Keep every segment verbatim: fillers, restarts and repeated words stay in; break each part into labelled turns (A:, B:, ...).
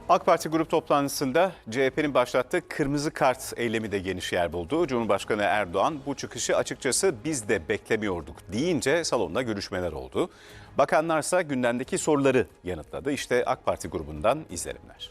A: AK Parti grup toplantısında C H P'nin başlattığı kırmızı kart eylemi de geniş yer buldu. Cumhurbaşkanı Erdoğan bu çıkışı açıkçası biz de beklemiyorduk deyince salonda görüşmeler oldu. Bakanlarsa gündemdeki soruları yanıtladı. İşte AK Parti grubundan izlenimler.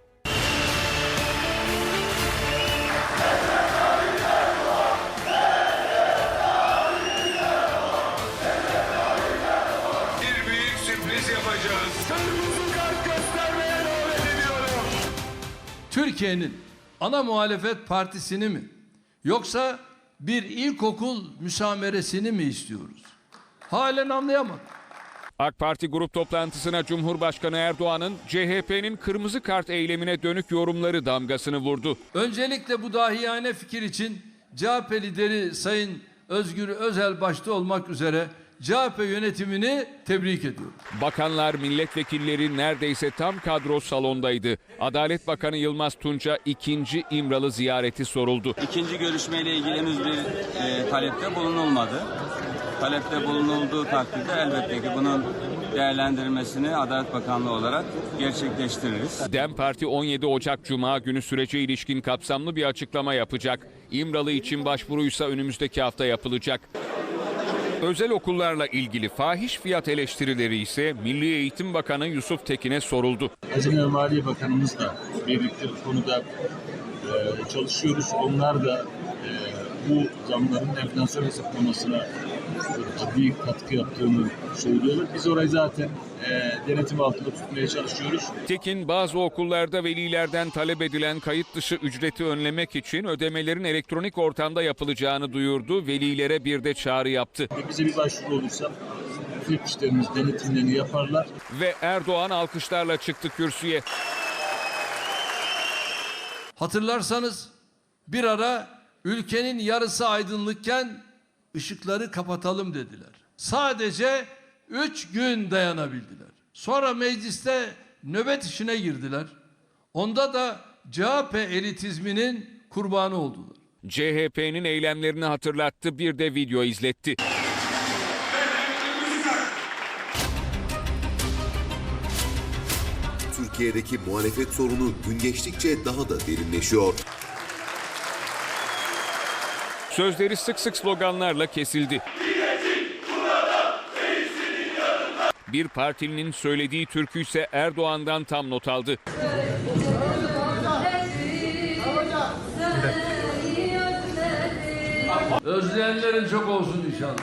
B: Bir büyük sürpriz yapacağız. Kırmızı kart göstermeye davet ediyorum.
C: Türkiye'nin ana muhalefet partisini mi yoksa bir ilkokul müsameresini mi istiyoruz? Halen anlayamadım.
D: AK Parti grup toplantısına Cumhurbaşkanı Erdoğan'ın C H P'nin kırmızı kart eylemine dönük yorumları damgasını vurdu.
C: Öncelikle bu dahiyane fikir için C H P lideri Sayın Özgür Özel başta olmak üzere C H P yönetimini tebrik ediyorum.
D: Bakanlar, milletvekilleri neredeyse tam kadro salondaydı. Adalet Bakanı Yılmaz Tunç'a ikinci İmralı ziyareti soruldu.
E: İkinci görüşmeyle ilgili henüz bir e, talepte bulunulmadı. Talepte bulunulduğu takdirde elbette ki bunun değerlendirmesini Adalet Bakanlığı olarak gerçekleştiririz.
D: DEM Parti on yedi Ocak Cuma günü sürece ilişkin kapsamlı bir açıklama yapacak. İmralı için başvuruysa önümüzdeki hafta yapılacak. Özel okullarla ilgili fahiş fiyat eleştirileri ise Milli Eğitim Bakanı Yusuf Tekin'e soruldu.
F: Hazine ve Maliye Bakanımızla birlikte bu konuda e, çalışıyoruz. Onlar da e, bu zamların enflasyon hesaplamasına ciddi katkı yaptığını söylüyorlar. Biz orayı zaten e, denetim altında tutmaya çalışıyoruz.
D: Tekin, bazı okullarda velilerden talep edilen kayıt dışı ücreti önlemek için ödemelerin elektronik ortamda yapılacağını duyurdu. Velilere bir de çağrı yaptı.
F: Ve bize bir başvuru olursa müfettişlerimiz denetimlerini yaparlar.
D: Ve Erdoğan alkışlarla çıktı kürsüye.
C: Hatırlarsanız bir ara ülkenin yarısı aydınlıkken ışıkları kapatalım dediler. Sadece üç gün dayanabildiler. Sonra mecliste nöbet işine girdiler. Onda da C H P elitizminin kurbanı oldular.
D: C H P'nin eylemlerini hatırlattı, bir de video izletti.
G: Türkiye'deki muhalefet sorunu gün geçtikçe daha da derinleşiyor.
D: Sözleri sık sık sloganlarla kesildi. Bir partilinin söylediği türkü ise Erdoğan'dan tam not aldı.
C: Özleyenlerin çok olsun inşallah.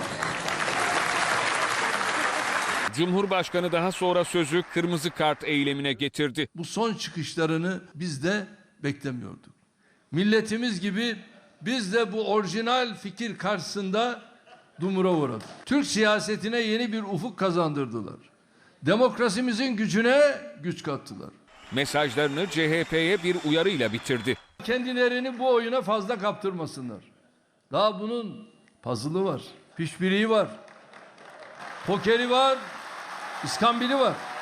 D: Cumhurbaşkanı daha sonra sözü kırmızı kart eylemine getirdi.
C: Bu son çıkışlarını biz de beklemiyorduk. Milletimiz gibi biz de bu orijinal fikir karşısında dumura uğradık. Türk siyasetine yeni bir ufuk kazandırdılar. Demokrasimizin gücüne güç kattılar.
D: Mesajlarını C H P'ye bir uyarıyla bitirdi.
C: Kendilerini bu oyuna fazla kaptırmasınlar. Daha bunun puzzle'ı var, pişbiriği var, pokeri var, iskambili var.